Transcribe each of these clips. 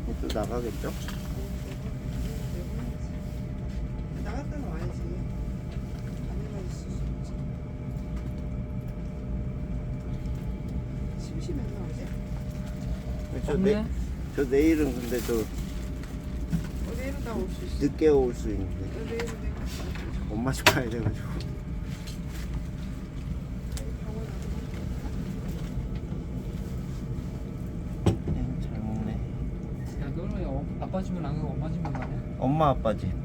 또 나가겠죠? 나갈 때는 와야지. 아니면 있을 수 없지. 심심했나 어제? 없네. 저 내일은 근데 내일은 다 올 수 있어. 늦게 올 수 있는데 내일은 내가 엄마 집 가야 돼가지고. 잘 먹네. 야, 너는 왜 아빠 집은 안 가고 엄마 집만 가냐? 엄마 아빠 집.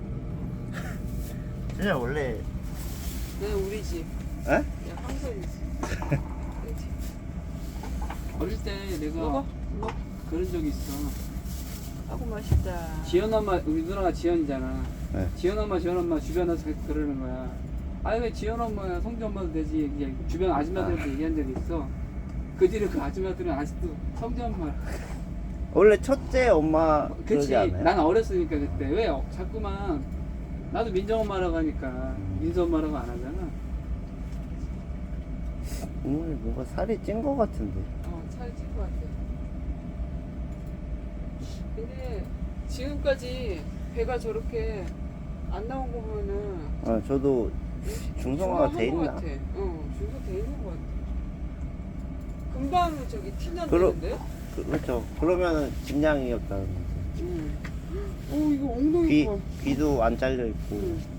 진짜 원래 내 우리 집. 에? 야 황선이 집. 내 집. 어릴 때 내가 먹어? 그런 적이 있어. 아구 맛있다. 지연 엄마, 우리 누나가 지연이잖아. 네. 지연 엄마 주변 와서 그러는 거야. 아니 왜 지연 엄마야, 성주 엄마도 되지. 이제 주변 아줌마들한테 얘기한 적이 있어. 그 뒤로 그 아줌마들은 아직도 성주 엄마. 원래 첫째 엄마 그치. 그러지 않아요? 난 어렸으니까 그때 왜 자꾸만 나도 민정 엄마라고 하니까 민서 엄마라고 안 하잖아. 오늘 뭔가 살이 찐 거 같은데. 살이 찔 것 같아. 근데 지금까지 배가 저렇게 안 나온 거 보면은 저도 중성화가 돼 있나? 중성화 돼 있는 것 같아. 금방 저기 티 그러- 난다는데? 그렇죠. 그러면은 집량이었다는 거지. 이거 엉덩이 봐. 귀도 안 잘려 있고. 응.